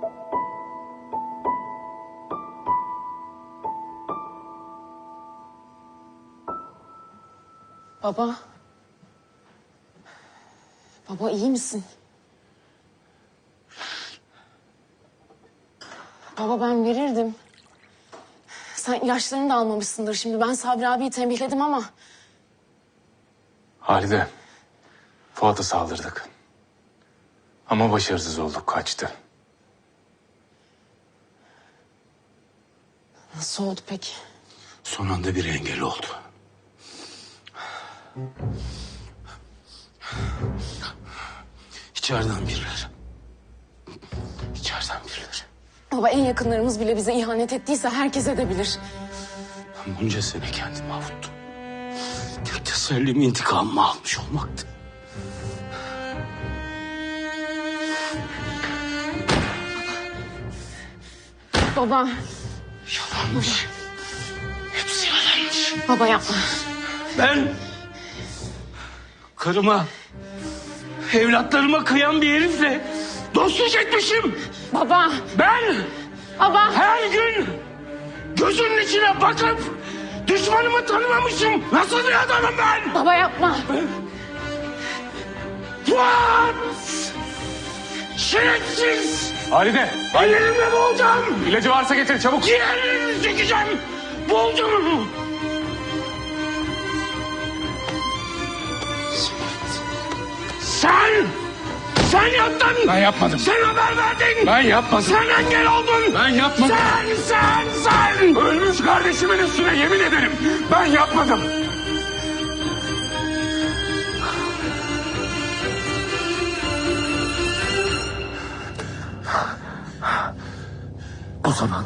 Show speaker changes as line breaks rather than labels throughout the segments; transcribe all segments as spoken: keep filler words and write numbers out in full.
Baba. Baba iyi misin? Baba ben verirdim. Sen ilaçlarını da almamışsındır şimdi. Ben Sabri abiyi tembihledim ama...
Halide, Fuat'a saldırdık. Ama başarısız olduk, kaçtı.
Nasıl oldu peki?
Son anda bir engel oldu. İçeriden birileri. İçeriden birileri.
Baba en yakınlarımız bile bize ihanet ettiyse herkes edebilir.
Ben bunca sene kendimi avuttum. Tek tesellim intikamımı almış olmaktı.
Baba.
Yalanmış. Hepsi yalanmış.
Baba yapma.
Ben karıma, evlatlarıma kıyan bir herifle dostluk etmişim.
Baba.
Ben
Baba.
her gün gözünün içine bakıp düşmanımı tanımamışım. Nasıl bir adamım ben?
Baba yapma.
Fuat! Şerefsiz!
Halide, Halide.
Ellerimle boğacağım!
İlacı varsa getir, çabuk.
Ciğerlerimi çekeceğim! Boğacağım! Sen! Sen yaptın!
Ben yapmadım.
Sen haber verdin!
Ben yapmadım.
Sen engel oldun!
Ben yapmadım.
Sen, sen, sen!
Ölmüş kardeşimin üstüne yemin ederim. Ben yapmadım.
O zaman...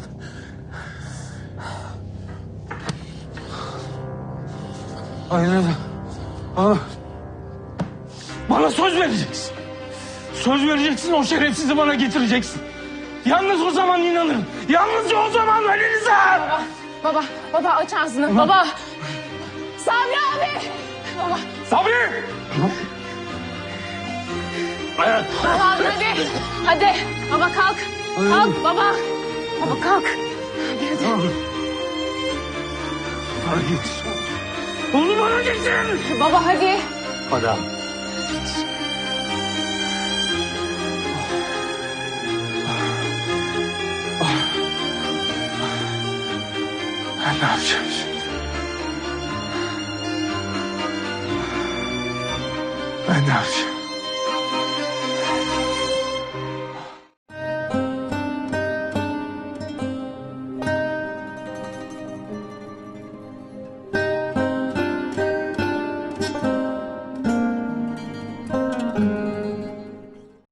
Aynen. Bana, bana söz vereceksin. Söz vereceksin, o şerefsizi bana getireceksin. Yalnız o zaman inanırım. Yalnızca o zaman Ali Rıza.
Baba. Baba. Baba aç ağzını. Baba. Sabri abi. Baba.
Sabri!
Evet.
Baba hadi. Hadi. Baba kalk. Kalk baba. Baba kalk. Hadi hadi.
Bana getir. Onu bana getir.
Baba hadi.
Adam.
Ben ne yapacağım şimdi? Ben ne yapacağım?